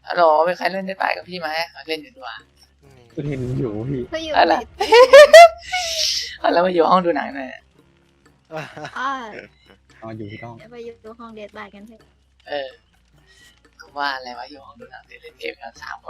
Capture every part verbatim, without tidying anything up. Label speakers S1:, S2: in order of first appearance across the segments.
S1: ฮัลโหลเป็นใครเล่นได้ไปกับพี่ไหมมาเล่นอยู่ดีกว่า
S2: คุณเห็นอยู่พี่
S3: ก็อยู่
S1: อะไรแล้วมาอยู่ห้องดูหนังหน่อย
S3: อ่า
S2: อ๋ออยู่ที่ต้อง
S3: เดี๋ยวไปอยู่ห้องเดทบายกันเถอะ
S1: เออก็ว่าอะไรวะอยู่ห้องดูหนังเล่นเกมกันสามคน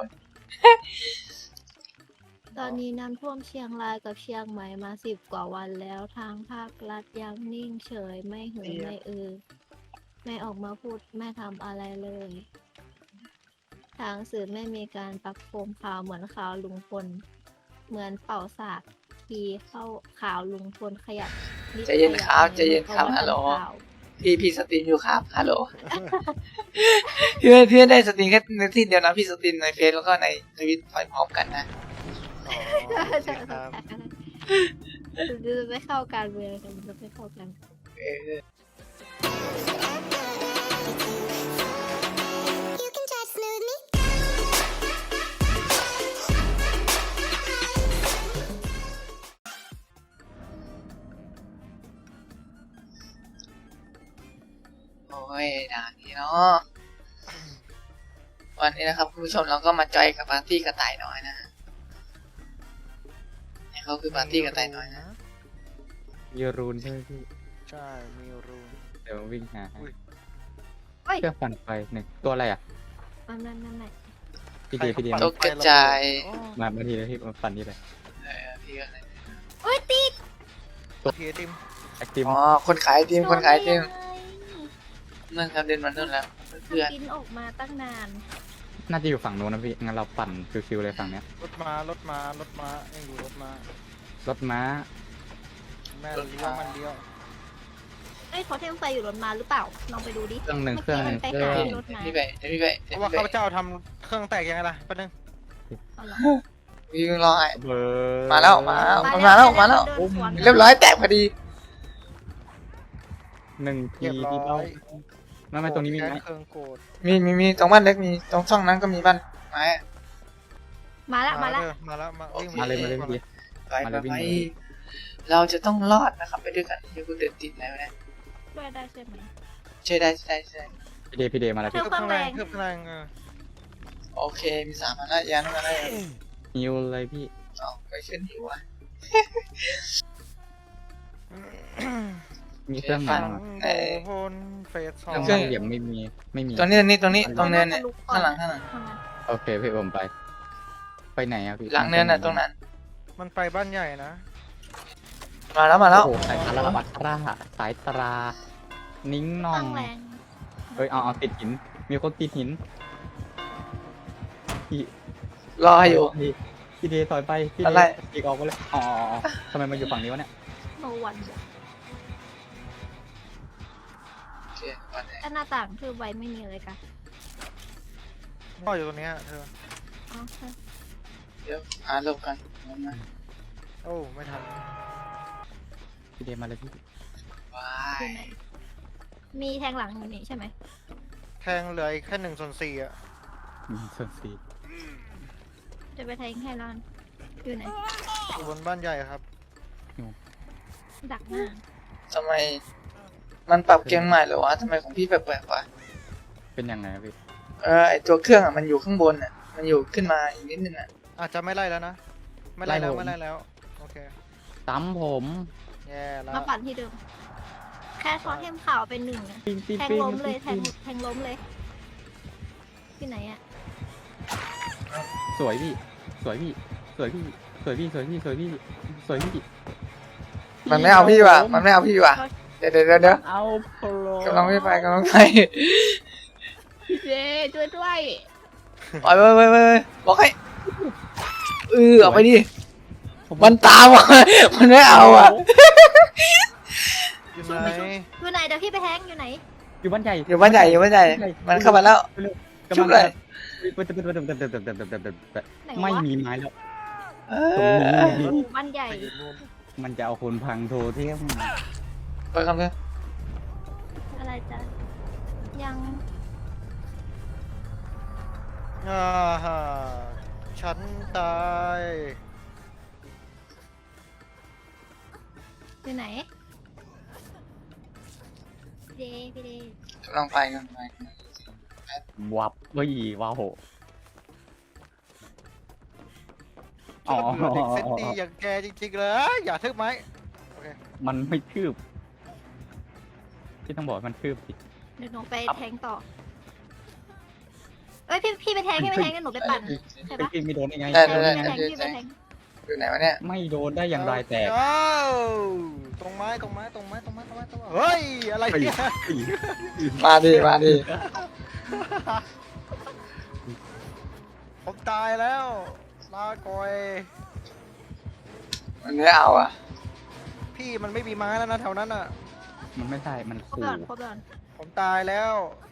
S3: ตอนนี้น้ำท่วมเชียงรายกับเชียงใหม่มาสิบกว่าวันแล้วทางภาครัฐยังนิ่งเฉยไม่หือไม่อือไม่ออกมาพูดไม่ทำอะไรเลย ทางสื่อไม่มีการปักโคมข่าวเหมือนข่าวลุงพลเหมือนเป่าสากทีเข้าข่าวลุงพลขยับนิด
S1: ใจเย็นครับ
S3: ข
S1: ใจเย็นครับ
S3: ขา
S1: ฮัลโหล
S3: ข่าว
S1: พี่พี่สตรีมอยู่ครับฮัลโหล พี่ไม่พี่ไม่ได้สตรีมแค่ในที่เดียวนะพี่สตรีมในเฟซแล้วก็ในทวิตไปพร้อมกันนะ
S3: ใช่ใช่ใช่จะไม่เข้าการเมืองกันจะไม่เข้ากัน
S1: เออ
S4: You can try to smooth me.
S1: โอ้ยด่านนี้เนาะวันนี้นะครับคุณผู้ชมเราก็มาจอยกับปาร์ตี้กระต่ายน้อยนะนี่เขาคือปาร์ตี้กระต่ายน้อยนะ
S2: มีรูนใช่ไหมพี่
S5: ใช่มีรูน
S2: เดี๋ยววิ่งหาให้
S5: อุ้ย
S3: เฮ้ย
S2: เครื่องปั่นไฟหนึ่งตัวอะไรอ่ะ
S3: มันนั่นนั่นไหน
S2: พี่เดียพี่เดีย
S1: ตกกระจาย
S2: มามาทีเลยพี่มาปั่นนี่เลย
S1: เออพี่ก็เลย
S3: โอ้ยติด
S5: พีไอติม
S2: แอคทีฟ
S1: อ๋อคนขายไอติมคนขายไอติม
S3: โดนได้ยังไง
S1: นั่นครับเดินมานู่นแล้วเพื่อน
S3: บินออกมาตั้งนาน
S2: น่าจะอยู่ฝั่งนู้นนะพี่งั้นเราปั่นชิวๆเลยฝั่งเนี้ย
S5: รถมารถมารถมายังอยู่รถมาร
S2: ถม้า
S5: แม่เลี้ยวมันเลี้ยว
S3: เอ้ยเขาเทมไฟอยู่รถมาหรือเปล่าลองไปดูดิ
S2: เครื่องหนึ่งเครื่องหนึ่ง
S3: ไป
S2: เครื่อ
S3: หาง
S1: ๆ
S3: รถมา
S1: พี่ไปเดี๋ยวพี่ไป
S5: เพ
S1: เดี๋ยว
S5: ราะว่า
S1: พี่
S5: ข้าพ
S1: ไป
S5: เจ้าทำเครื่องแตกยังไงล่ะแป๊บนึง
S3: เอาเหรอ
S1: พี่รอไอ้
S2: เบอร์
S1: มาแล้วมาแล้ว มันมาแล้วมาแล้ว
S3: เดินสวน
S1: เรียบร้อยแตกพอดี
S2: หนึ่งที
S5: เรียบร้
S2: ที่
S5: อ
S2: เป้าย ไม่ไม่ตรงนี้มีไหม
S5: แค่เครื่องโกด
S1: มีมีมีตรงบ้านเล็กมีตรงช่องนั้นก็มีบ้านไม้
S3: มาละมาละ
S5: เด้อมาแล้วมาวิ่ง
S2: มาเลยมาเลยพี่
S1: ไป
S2: มา
S1: ไป
S2: เลยวิ่ง
S1: ไป
S2: เลย
S1: เราจะต้องรอดนะครับไปด้วยกันเดี๋ยวกูเดินติดแล้วนะ
S3: ด้วยได้ใช่ไหม
S1: ช่วยได้ช่วยได้ช่วยได้
S2: พี่เดียพี่เดียมาแล้ว
S3: เครื่
S2: พี่
S3: อง
S5: เครื่องแรงเครื่องแรงเออ
S1: โอเคมีสามอันแล้วยันมาได้
S2: ฮิวเลยพี่
S1: เอาไปขึ้นหิวอ่ะ
S2: มีเครื่องไหน
S1: ฟัง
S2: บ้าง
S1: เอ่อ
S5: โพนเฟสสอ
S2: เครื่อง
S5: ง
S2: บ้านเหลี่ยมไม่มีไม่มี
S1: ตรงนี้ตรงนี้ตรงนี้ตรงเนินเนี่ย
S3: มั
S1: ข้างหลัง
S3: ทะ
S1: ข้างหลัง
S3: ลุก่อน
S2: โอเคพี่ผมไป ไปไหนอะพี่
S1: หลังเนินน่ะตรงนั้น
S5: มันไปบ้านใหญ่นะ
S1: มาแล้วมาแล้ว
S2: โอ้โหสายตาบัตราสายตรา นิ้งนอ
S3: ตั้
S2: ง
S3: งแรง
S2: เฮ้ยเอาเอาติดหิน มีคนติดหินพี่
S1: รออยู่
S2: พี่พี่เดย์ถอยไปพี่
S1: อะ
S2: เด
S1: ไร
S2: ย์อีกออกไปเลยอ๋ออ๋ออ๋อทำไมมาอยู่ฝั่งนี้วะเนี่ย
S3: โนวัน
S1: โอเควันไหน
S3: แต่หน้าต่างคือไว้ไม่มีอะไรกัน
S5: พ่ออยู่ตรงเนี้ยเธอ
S3: อ๋อใช่
S1: เดี๋ยวหาลงกันลงมา
S5: โอ้ไม่ทัน
S2: พี่เดย์มาเลยพี่
S1: ว้า
S3: คือย ไหนมีแทงหลังอยู่นี่ใช่ไหม
S5: แทงเหลืออีกแค่หนึ่งส่วนสี่อ่ะ
S2: อืมส่วนสี่
S3: จะไปแทงให้ร้อนอยู่ไหน
S5: อยู่บนบ้านใหญ่ครับ
S3: ดักหน้า
S1: ทำไมมันปรับเกมใหม่เหรอวะทำไมของพี่แปลกๆวะ
S2: เป็นยังไงอะพี่
S1: เออไอตัวเครื่องอ่ะมันอยู่ข้างบนอ่ะมันอยู่ขึ้นมาอีกนิดนึงอ่ะ
S5: อาจจะไม่ไล่แล้วนะไม่ไล่แล้วไม่ไล่แล้วโอเค
S2: ตั้มผม
S5: แย่แล้ว
S3: มาปั่นที่เดิม แค่ช้อนเทมข่าวเป็นหนึ่งอะ
S2: ปิ้งปิ้ง
S3: แทง
S2: ปิ้ง
S3: ล้มเลยแท
S2: ปิ้
S3: ง
S2: ง
S3: แทงล้มเลยที่ไหนอะ
S2: สวยพี่ สวยพี่ สวยพี่ สวยพี่ สวยพี่ สวยพี่ สวยพี่
S1: มันไม่เอาพี่ว่ะมันไม่เอาพี่ว่ะเดี๋ยวเดี๋ยวเดี๋ยวเดี๋ยว
S2: เอาโปร
S1: กำลังไม่ไปกำลังไป
S3: พี่เจช่วยด้วย
S1: ไปไปไปไปบอกให้เออเอาไปดิมันตามอ่ะมันไม่เอาอ่ะ
S5: อยู่ไหน
S3: อยู่ไหนเดี๋ยวพี่ไปแทงอยู่ไหน
S2: อยู่บ้านใหญ่
S1: อยู่บ้านใหญ่อยู่บ้านใหญ่มันเข้ามาแล้ว ชุบเลย
S2: ไม่มีไม้แล้ว
S1: เอ
S2: ตรง
S1: อ
S2: นี้
S3: หมู่บ้านใหญ่
S5: ไปอยู่นู่น
S2: มันจะเอาคนพังโทรเที่ยง
S1: ไปคำเนี้ย
S3: อะไรจ๊ะยัง
S5: อ่าฮะฉันตาย
S3: อยู่ไหนพี่เดพี่เด
S1: กำลังไปกำลังไป
S2: วับเฮ้ยว้าวอ๋อ
S5: ฉันเบื่อเด็กเซนตีอย่างแกจริงๆเลยอย่าทึบไหมโอเค
S2: มันไม่คืบพี่ต้องบอกให้มันคืบสิ
S3: เดี๋ยวหนูไปแทงต่อ เอ้ยพี่พี่ไปแทงพี่ไปแทงกันหนูไปปั่นใช่
S2: ไอ้
S3: ปะ
S2: พี่ไม่โดนได้ไง
S1: ได้
S3: แท
S1: ได้
S3: ง
S1: ได้
S3: พี่แทงพี่ไปแทง
S1: อยู่ไหนวะเนี่ย
S2: ไม่โดนได้อย่างไรแตก
S5: เอ้าตรงไม้ตรงไม้ตรงไม้ตรงไม้ตรงไม้ตรงไม้เฮ้ยอะไรเนี่ย
S1: มาดิมาดิ
S5: ผมตายแล้วลาก่อย
S1: มันไม่เอาอ่ะ
S5: พี่มันไม่มีไม้แล้วนะแถวนั้นอ่ะ
S2: มันไม่ได้มัน
S3: ครบ
S2: ขู่
S3: ก่อนครบก่อน
S5: ผมตายแล้ว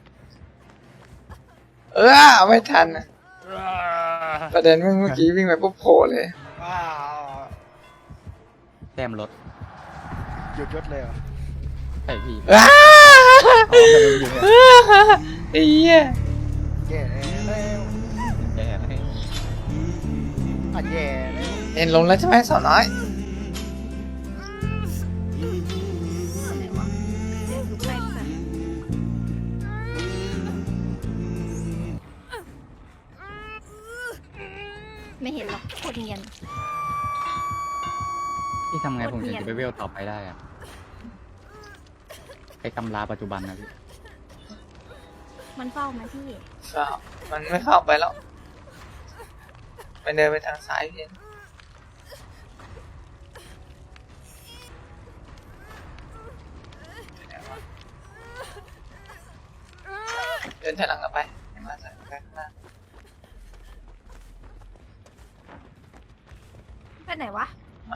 S1: เออเอาไม่ทันอะประเด็นเมื่อกี้วิ่งไปปุ๊บโผล่เลย
S5: ว้าว
S2: แต้มรถ
S5: หยุดยศเลยเหรอ
S2: ใช่พี่
S1: อ้า
S2: อ๋อแต่มันอยู่เนี่ย
S1: ไอ้เหี้ย
S5: แย่แล้ว
S2: แย่ให้
S5: อ่ะแย่แล้ว
S1: เห็นลงแล้วใช่ไหมสาวน้อย
S3: ไหนวะเดี๋ยวดูแป้งกันไม่เห็นหรอกโคตรเนียน
S2: พี่ทำไงผมถึง
S3: โคตรเนียน
S2: จะไปเวลต่อไปได้อะไอ้ตำราปัจจุบันนะพี่
S3: มันเฝ้าไหมพี่
S1: เข้ามันไม่เข้าไปแล้วไปเดินไปทางซ้ายเพียงเดินถอยหลังกลับไปให้มาจากข้างหน้า
S3: ไปไหนวะ
S1: มา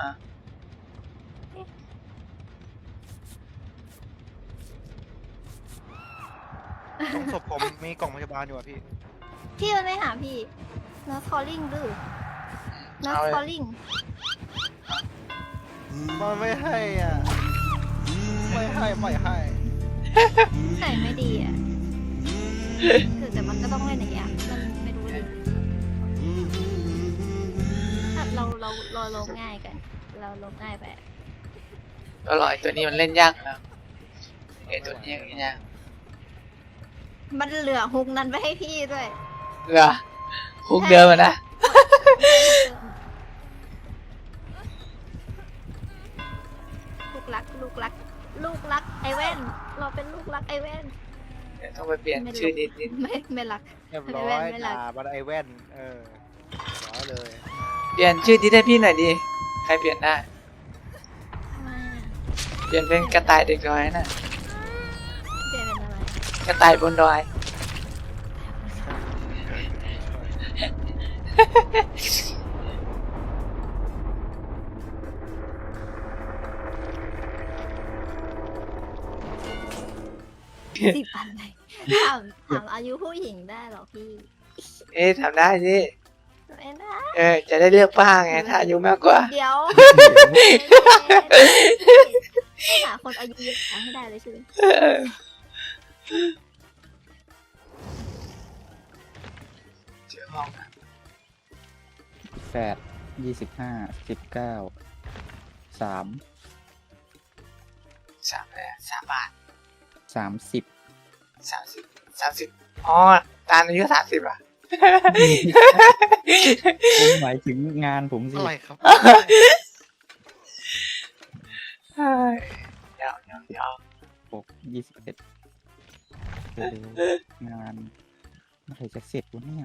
S5: ตรงศพผมมีกล่องพยาบาลอยู่อ่ะพี่
S3: พี่มันไม่หาพี่ Nurse calling ดื้อ
S1: เอา
S3: Nurse
S1: เลย
S3: calling
S5: มันไม่ให้อ่ะไม่ให้ไม่ให้
S3: ใส่ไม่ดีอ่ะคือแต่มันก็ต้องเล่นอย่างเงี้ยมันไม่รู้ดิถ้าเราเราเราลงง่ายกัน เราลงง่ายไป
S1: ก็รอไอ้ตัวนี้มันเล่นยากนะไอ้ตัวนี้อย่างเงี้ย
S3: มันเหลือฮุกนั้นไปให้พี่ด้วย
S1: เหรอคุกเดิมอะนะ
S3: ลูกรัก ลูกรัก ลูกรักไอแว่น เราเป็นลูกรักไอแว่น
S1: เดี๋ยวต้องไปเปลี่ยนชื่อนิดนิด
S3: ไม่ไม่รัก
S5: เรียบร้อ
S3: ไอ้แว่
S5: ย
S3: นไม่รัก
S5: ด่าบันไอแว่นเออร้อยเลย
S1: เปลี่ยนชื่อที่ได้พี่หน่อยดิใครเปลี่ยนได้
S3: ทำไมอะ
S1: เปลี่ยนเป็นกระต่ายเด็กดอยน่ะ
S3: เปลี่ยนเป็นอะไร
S1: กระต่ายบนดอย
S3: สิบอันเลยถามถามอายุผู้หญิงได้เหรอพี่
S1: เอ๊ะทำได้สิ
S3: ไม่ได้
S1: เออจะได้เลือกป้าไงถ้าอายุมากกว่า
S3: เดี๋ยวหาคนอายุเยอะให้ได้เลยใช่ไหม
S1: เจอห้องอะ
S2: แปดยี่สิบห้าสิบเก้าสาม
S1: สามเลยสามบาท
S2: สามสิบ
S1: สามสิบสามสิบอ๋อตาลอายุสามสิบอ่ะ
S2: ผมหมายถึงงานผมสิ
S5: อะไรครับ
S1: เฮ้ยเดี๋ยวเดี๋ยวเดี๋ยว
S2: หกยี่สิบเอ็ดเร็วๆงานเมื่อไหร่จะเสร็จวะเนี่ย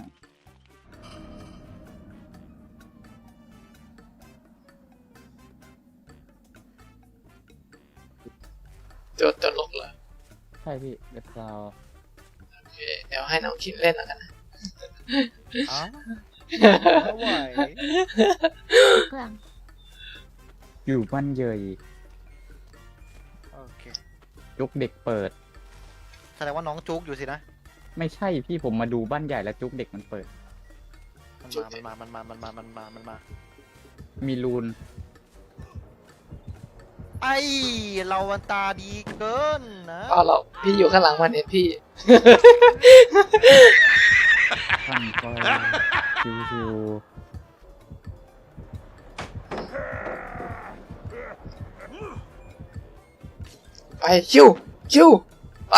S1: โจทย์ตลกเหรอ
S2: ใช่พี่เดี๋ยวเรา
S1: โอเคเดี๋ยวให้น้องคิดเล่นแล้วกันนะ
S5: อ้าวไม่ไหว
S3: เครื่อง
S2: อยู่บ้านเยย
S5: โอเค
S2: ยกเด็กเปิด
S5: แสดงว่าน้องจุกอยู่สินะ
S2: ไม่ใช่พี่ผมมาดูบ้านใหญ่แล้วจุกเด็กมันเปิด
S5: มันมา มันมา มันมา มันมา มันมา มันมา
S2: มีรูน
S5: ไอเราวันตาดีเกินนะ
S1: เอาเราพี่อยู่ข้างหลังมันเห็นพี่
S2: ท่านคอยชิว
S1: ไปชิวชิวไป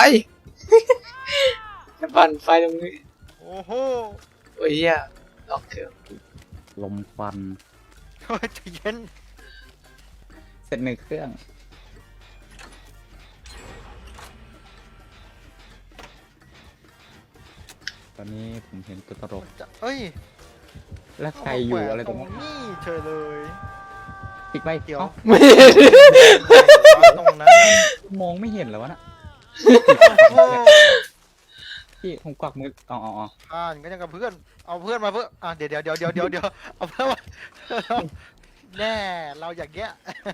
S1: ปั่นไฟตรงนี้
S5: โอ้โห
S1: โอ้ยเหี้ยล็อกเครื่อง
S2: ๆลมควัน
S5: โอ้ยใจเย็น
S2: เสร็จหนึ่งเครื่อง ตอนนี้ผมเห็นตัวตลก
S5: จะเอ้ย
S2: และใครอยู่อะไรตรง
S5: นี้
S2: นี้
S5: เฉยเลย
S2: ปิดไป
S5: เดี๋ยว
S2: เอ้า
S1: ไม่
S5: ตรงนั้น
S2: มองไม่เห็นแล้ววะน่ะ
S5: โอ้
S2: พี่ผมกวักมืออ๋ออ๋ออ๋อ
S5: อ่านก็ยังกับเพื่อนเอาเพื่อนมาเพื่ออ่ะเดี๋ยวเดี๋ยวเดี๋ยวเดี๋ยวเดี๋ยวเดี๋ยวเอาเพื่อนมาแน่เราอย่างเงี้ย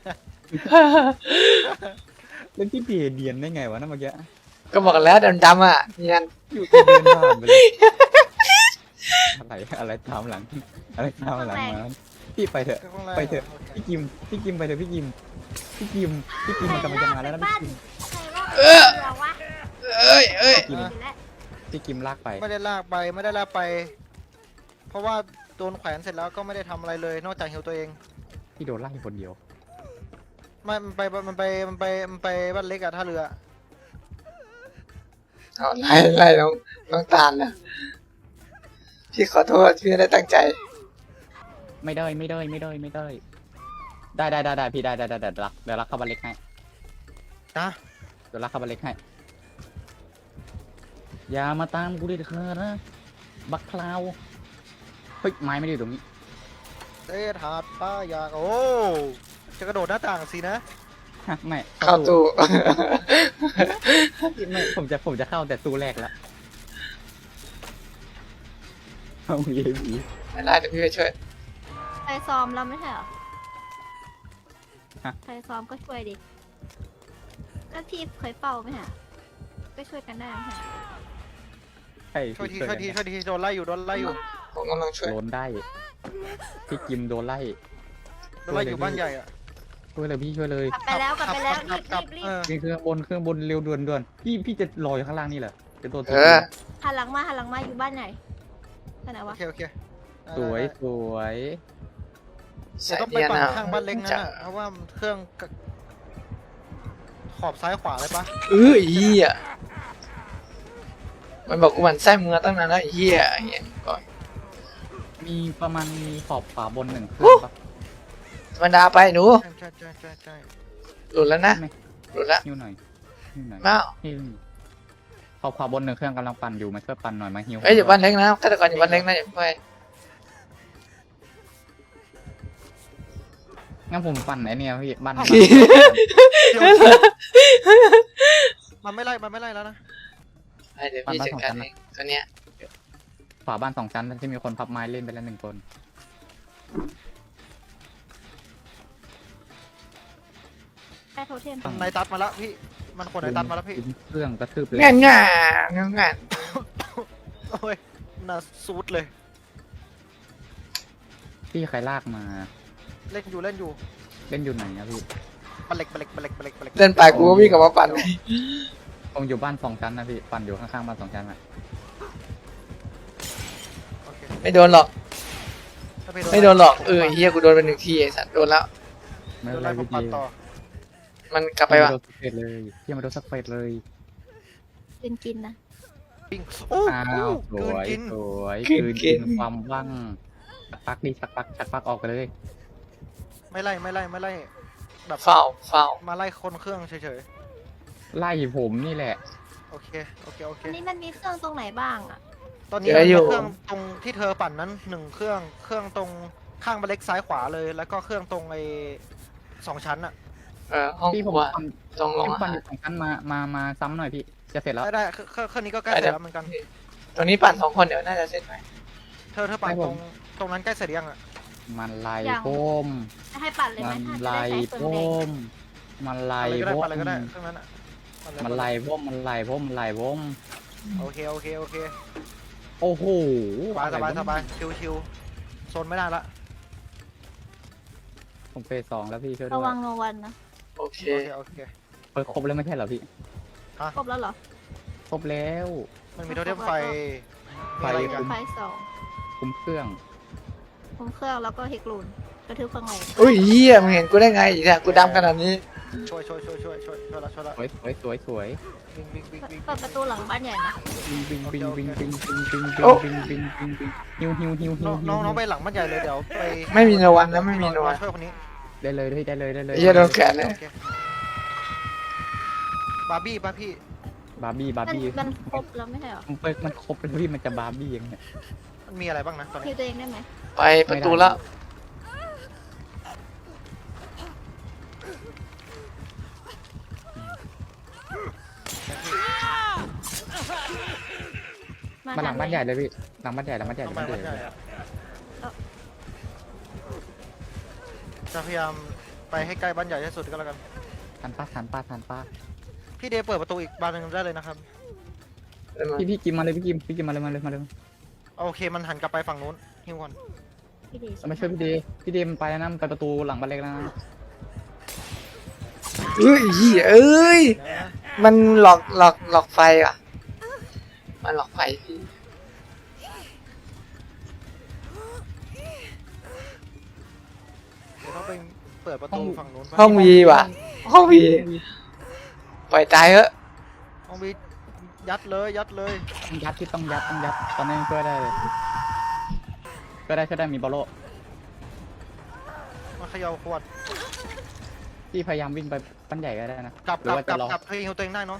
S2: เล่นที่เบียเดียนได้ไงวะนั่นเมื่อกี้
S1: ก็บอกแล้วดำๆอ่ะเนียน
S2: อยู่ที่เดินผ่านไปเลยอะไรอะไรตามหลัง อะไรตามหลังมาพี่ไปเถอะ ไปเถอะ พี่กิมพี่กิมไปเถอะพี่กิมพี่กิมพี่กิมมันกำลังจะมาแล้วนะพี่กิม
S3: ใครว่าเรือวะ
S1: เอ้ยเอ้ย
S2: พี่กิม
S3: ไปแล้ว
S2: พี่กิมลากไป
S5: ไม่ได้ลากไปไม่ได้ลากไป เพราะว่าโดนแขวนเสร็จแล้วก็ไม่ได้ทำอะไรเลย นอกจากหิวตัวเอง
S2: พี่โดนไล่คนเดียว
S5: ไม่มันไปมันไปมันไปมันไปบ้านเล็กอะท่าเรือ
S1: เอาไล่ไล่น้องน้องตาลนะพี่ขอโทษพี่ไม่ได้ตั้งใจ
S2: ไม่ได้ไม่ได้ไม่ได้ไม่ได้ ได้ได้ได้ได้พี่ได้ได้ได้เดี๋ยวรักเดี๋ยวรักเข้าบันเล็กให้
S5: นะ
S2: เดี๋ยวรักเข้าบันเล็กให้อย่ามาตามกูเด็ดขาดนะบักคลาวเฮ้ยไม้ไม่ได้อยู่ตรงนี้
S5: เตะถาดป้าอยากโอ้จะกระโดดหน้าต่างสินะ
S2: ฮะไม่
S1: เข้าตู้
S2: ไม่ผมจะผมจะเข้าแต่ตู้แรกแล้วเอาเยบี
S1: ไม่ได้เดี๋ยวพี่ไปช่วย
S3: ใครซ้อมเราไม่ใช่เหรอใครซ้อมก็ช่วยดิก็ที่เคยเป่าไหมฮะก็ช่วยกันได้ไหมฮะ
S2: ใช่
S5: ช่วยทีช่วยทีช่วยทีโดนไล่อยู่โดนไล่อยู่
S1: ผมกำลังช่วย
S2: โดนได้พี่กิมโดนไล่
S5: โดนไล่อยู่บ้านใหญ่อะ
S2: ช่วยเลยพี่ช่วยเลย
S3: กลับไปแล้วกลับไปแล้วรีบ
S5: กลั
S3: รี
S5: บบ
S3: รี
S5: เอบ อ
S2: นี่เครื่องบนเครื่องบนเร็วด่วนด่วนพี่พี่จะรออยู่ข้างล่างนี่แหละจะโดน
S1: เออ
S3: หันหลังมาหันหลังมาอยู่บ้านไหนที่ไหน
S5: โอ
S3: วะ
S5: เคโอเค
S2: สวยสวย
S5: เดี๋ยวต้องไปปั่นข้างบ้านเล็กนั่นน่ะเพราะว่าเครื่องขอบซ้ายขวาเลยปะ
S1: เออไอ้เหี้ยมันบอกกูหมันไส้มือตั้งนานแล้วไอ้เหี้ยอย่างเงี้ยก่อน
S2: มีประมาณมีขอบขวาบนหนึ่งเครื่องปะ
S1: ธรรมดาไปหนู
S5: ใช่ใช่ใช่ใช่ใช่
S1: หลุดแล้วนะ
S2: ไม่
S1: หลุดแล้ว
S2: หิ้วหน่อยหิ้วหน่อย
S1: มา
S2: หิ้วขอบขวาบนหนึ่งเครื่องกำลังปั่นอยู่มาช่วยปั่นหน่อยมาหิ้ว
S1: เอ้ยอยู่บ้านเล็กนะฆาตกรอยู่บ้านเล็กนะอย่าไป
S2: งั้นผมปั่นไอเนี่ยพี่บ้าน
S5: เดี๋ยวมันไม่ไล่มันไม่ไล่แล้วนะ
S1: ไปเดี๋ยวพี่จัดการเองตัวเนี้ย
S2: ขวาบ้านสองชั้นที่มีคนพับไม้เล่นไปแล้วหนึ่งคน
S3: ได้โทเทม
S5: นายตัดมาแล้วพี่มันคนนายตัดมาแล้วพี่
S2: เครื่องกระทืบเลย
S1: ง่ายง่ายง่ายง่าย
S5: โอ้ยน่าซูดเลย
S2: พี่ใครลากมา
S5: เล่นอยู่เล่นอยู่
S2: เล่นอยู่ไหนนะพี่
S5: บัลเล็กบัลเล็กบัลเล็กบัลเล็กบัลเล็ก
S1: เดินไปกูก็วิ่งกลับมาปั่น
S2: ผมอยู่บ้านสองชั้นนะพี่ปั่นอยู่ข้างๆบ้านสองชั้นอะ
S5: โอเค
S1: ไม่โดนหรอก
S5: ถ้าพี่
S1: ไม่โดนหรอกเออไอ้เหี้ยกูโดนไปหนึ่งทีไอ้สัตว์โดนแล้ว
S2: ไม่
S5: โด
S2: เป็น
S5: น
S2: ไร
S5: ไล่ผม
S2: พี่
S5: ปัด
S2: ดี
S5: ต่อ
S1: มันกลับไปวะ
S2: โดนสักเฟสเลยพี่มาโดนสักเฟสเลย
S3: กินกินนะ
S5: ปิ้งโอ้
S2: อ้า
S5: โห
S2: วส
S5: เกิน
S2: วย
S5: กิน
S2: สวยคืนกินความว่างชักปักดิชักปักชักปักออกไปเลย
S5: ไม่ไล่ไม่ไล่ไม่ไล่แบบ
S1: เฝ้าเฝ้า
S5: มาไล่คนเครื่องเฉย
S2: ไล่ผมนี่แหละ
S5: ๆโอเคโอเคโอเค
S3: อันนี้มันมีเครื่องตรงไหนบ้างอ่ะ
S5: ตอนนี้มันมีเครื่องตรงที่เธอปั่นนั้นหนึ่งเครื่องเครื่องตรงข้างบัลเล็กซ้ายขวาเลย แล้วก็เครื่องตรงไอ้สองชั้นอะ
S1: เออห้อง
S2: พี่
S1: ค
S2: ผม
S1: รัว
S2: ปั่น
S1: ตรงลง
S2: พี่
S1: อา
S2: ปั่น
S1: หาร
S2: อยู่สองชั้นมามามาซ้ำหน่อยพี่จะเสร็จแล้ว
S5: ได้ได้เครื่องเครื่องนี้ก็ใกล้เสร็จแล้วเหมือนกัน
S1: ตรงนี้ปั่นสองคนเดี๋ยวน่าจะเสร็จไหม
S5: เธอเธอปั่นตรงตรงนั้นใกล้เสร็จยังอะ
S2: มันไล่
S3: ยัง
S2: ผม
S3: จะให้ปั่นเลยไหม
S2: มัน
S3: ถ้าจะ
S2: ไล่
S3: ได้ใช้
S2: ผ
S3: เฟืองแดง
S2: มมันไล่
S5: อะไรก็ได้
S2: ผม
S5: ปั่นอะไรก็ได้เครื่องนั้นอะปั่เลย
S2: มันไล่ผมมันไล่ผมมันไล่ผม
S5: โอเคโอเคโอเค
S2: โอ้โห
S5: สบายสบาย
S2: อะไรวะ
S5: สบายชิวชิวโซนไม่ได้ละ
S2: ผมเฟสสองแล้วพี่ช่วยด้
S3: ระ
S2: ว
S3: วั
S2: ย
S3: งโนวันนะ
S1: โอเค
S5: โอเคโอเค
S2: เปิดครบแล้วไม่ใช่เหรอพี่
S3: ครบแล้วเหรอ
S2: ครบแล้ว
S5: มันมีโทเทมไฟ
S2: ไฟ
S5: มีอะไรอีกัน
S3: ไฟสอง
S2: คุมเครื่อง
S3: คุมเครื่องแล้วก็เฮกลูนกระทืบเครื่องไหน
S1: อุ้ยเหี้ยมึงเห็นกูได้ไงอีกเนี่ยกูดำขนาดนี้
S5: ช่วยช่วยช่วยช่วยช่วยช่วยละช่วยละ
S2: สวยสวยสวยสวย
S5: วิ่งวิ่งวิ่งวิ่ง
S3: เปิดประตูหลังบ้านใหญ่นะ
S2: บิงบิงบิงบิงบิงบิงบิง
S1: โอ้
S2: บิงบิงบิงบิงฮิวฮิวฮิวฮิ
S5: น้
S2: ว
S5: องน้องน้องไปหลังบ้านใหญ่เลยเดี๋ยวไป
S1: ไม่มีโนวันนะไม่มีโนวัน
S5: ช่วยคนนี้
S2: ได้เลยได้เลยได้เลย
S1: เหี้ยโดนแขนเลย
S5: โอคบาร์บี้ป่ะพี่
S2: บาร์บี้บาร์
S3: มัน
S2: บี้
S3: มันครบแล้วไม่ใช่เหรอ
S2: มันมันครบเลยพี่มันจะบาร์บี้ยังไง
S5: มันมีอะไรบ้างนะตอน
S3: คิ
S5: นี้
S3: วตัวเองได้ไหม
S1: ไปประตูแล้ว
S2: มาหลังบ้านใหญ่เลยพี่หลังบ้านใหญ่หลังบ้านใหญ่ห
S5: ต้
S2: ลั
S5: อง
S2: ง
S5: ไป
S2: บ้านให
S5: บ้า
S2: ญ่
S5: นใหญ่อะจะพยายามไปให้ใกล้บ้านใหญ่ที่สุดก็แล้วกัน
S2: ทันป้าทันป้าทันป้า
S5: พี่เดย์เปิดประตูอีกบานหนึงได้เลยนะครับ
S2: พี่พี่กิมมาเลยพี่กิมพี่กิมมาเลยมาเลยมาเลย
S5: โอเคมันหันกลับไปฝั่งนู้นฮิวก่อน
S3: พี่ดี
S2: เอามาช่วยพี่เดย์พี่เดย์มันไปแล้วนะมันไปประตูหลังบ้านเล็กแล้วนะ
S1: เอ้ยเหี้ยเอ้ย
S5: นะ
S1: มันหลอกหลอกหลอกไฟอ่ะ มันหลอกไฟพี่
S5: เดี๋ยวต้องไปเปิดประตูฝั่งนู้น
S1: ห้องวีว่ะ ห้องวีปล่อยตายเถอะ
S5: ห้องวียัดเลยยัดเลย
S2: ต้องยัดที่ต้องยัดต้องยัดตอนนี้ช่วยได้เลยช่วยได้ช่วยได้มีบอลโล
S5: มาเขย่าขวด
S2: พี่พยายามวิ่งไปปั้นใหญ่ก็ได้นะ
S5: กลับ
S2: หรื
S5: ก
S2: อ
S5: ลับ
S2: ว่าก
S5: ลั
S2: จะ
S5: บ
S2: รอก
S5: ลับให้ฮิวตัวเองได้เนาะ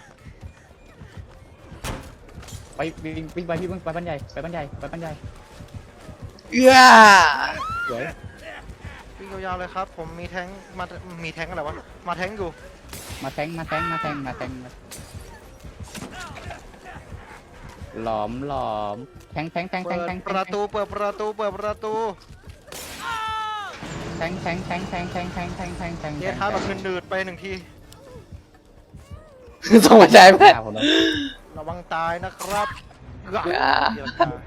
S2: ไปวิ่งวิ่งไปพี่วิ่งไปปั้นใหญ่ไปปั้นใหญ่ไปปั้นใหญ่
S1: เอื้อ
S2: สวย
S5: วิ่งยาวๆเลยครับ ผมมีแท้งมามีแท้งอะไรวะมาแท้งอยู่
S2: มาแทงมาแทงมาแทงมาแทงมาหลอมหลอมแทงแทงแทงแท
S5: เปิ
S2: ง
S5: ด
S2: แทง
S5: ประตูเปิดประตูเปิดประตู
S2: แทงแทงแทงแทงแทงแทงแทงแทงแทง
S5: เยท้าแบบหนืดๆไปหนึ่งที
S1: ส่งมาใจไหม
S2: ผมแล้ว
S5: ระวังตายนะครับเกือบ
S1: อ่า
S5: เดี๋ยวตาย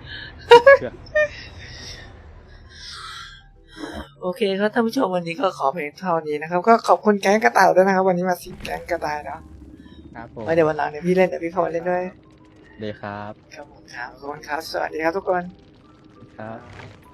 S1: โอเคครับท่านผู้ชมวันนี้ก็ขอเพียงเท่านี้นะครับ ก็ขอบคุณแก๊งกระต่ายด้วยนะครับ วันนี้มาสิงแก๊งกระต่ายเนาะ
S2: ครับผม
S1: ไว้เดี๋ยววันหลังเดี๋ยวพี่เล่นเดี๋ยวพี่เข้ามาเล่นด้วย
S2: เดครับ
S1: ครับผมครับขอบคุณครับสวัสดีครับทุกคน
S2: ครับ